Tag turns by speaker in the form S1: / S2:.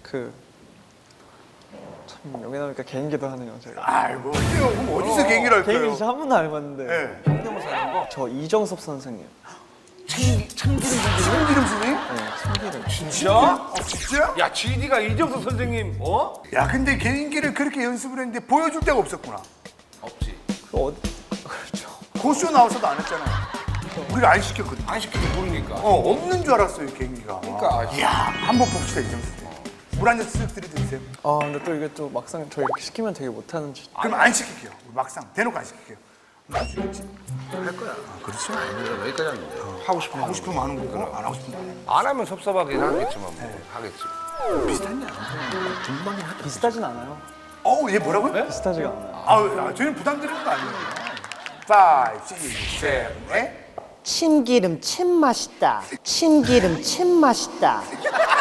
S1: 참 여기 나오니까 개인기도 하네요 제가.
S2: 아이고, 그럼 어디서 개인기를 할까요?
S1: 개인기 진짜 한 번도 안 해봤는데.
S2: 네.
S3: 성대모사 하는 거?
S1: 저 이정섭 선생님.
S3: 참기름
S2: 참기름 선생님?
S1: 네, 참기름.
S3: 진짜?
S2: 진짜?
S3: 야, GD가 이정수 선생님, 어?
S2: 야, 근데 개인기를 그렇게 연습을 했는데 보여줄 데가 없었구나.
S3: 없지.
S1: 그 어디? 그렇죠.
S2: 고쇼 나와서도 안 했잖아요. 우리가 안 시켰거든.
S3: 안 시켜도 모르니까.
S2: 없는 줄 알았어요, 개인기가.
S3: 그러니까.
S2: 이야, 한번 봅시다, 이정수 선생님. 물 한 잔 쓱 들이드세요.
S1: 아 근데 또 이게 또 막상 저 이렇게 시키면 되게 못하는 줄.
S2: 그럼 안 시킬게요. 막상 대놓고 안 시킬게요. 나중에
S3: 할 거야.
S2: 그렇죠.
S3: 아니, 여기까지 하는데. 하고 싶으면
S2: 하고 싶으면 하는 거고 안 하고 싶으면 안 해.
S3: 안 하면 섭섭하긴 하겠지만 뭐 하겠지.
S2: 비슷하냐? 중반긴 하다.
S1: 비슷하진 않아요.
S2: 얘 뭐라고요?
S1: 비슷하지가 않아요.
S2: 저희는 부담드리는 거 아니에요. 5, 6, 7, 8.
S4: 참기름 참 맛있다. 참기름 참 맛있다.